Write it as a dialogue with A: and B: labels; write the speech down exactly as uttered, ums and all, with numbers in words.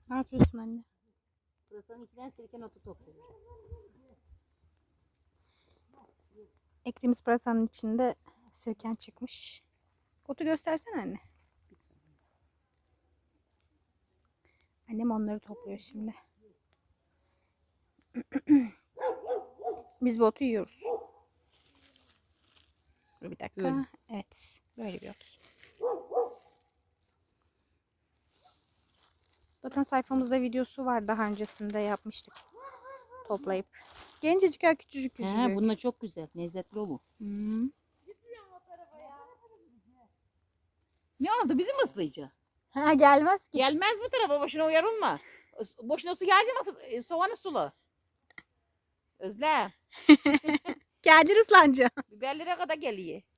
A: Ne yapıyorsun anne?
B: Pırasanın içinden sirken otu topluyor.
A: Ektiğimiz pırasanın içinde sirken çıkmış. Otu göstersene anne. Annem onları topluyor şimdi. Biz bu otu yiyoruz. Dur bir dakika.
B: Böyle.
A: Evet. Böyle bir ot. Zaten sayfamızda videosu var. Daha öncesinde yapmıştık. Toplayıp. Gencecik ya, küçücük küçücük.
B: He, bununla çok güzel. Lezzetli o bu.
A: Hmm.
B: Ne oldu? Bizi mi ıslayacak?
A: Ha, gelmez ki.
B: Gelmez bu tarafa. Boşuna uyarılma. Boşuna su gelecek mi? Soğanı sula. Özlem.
A: Geldin ıslanca.
B: Biberlere kadar geliyor.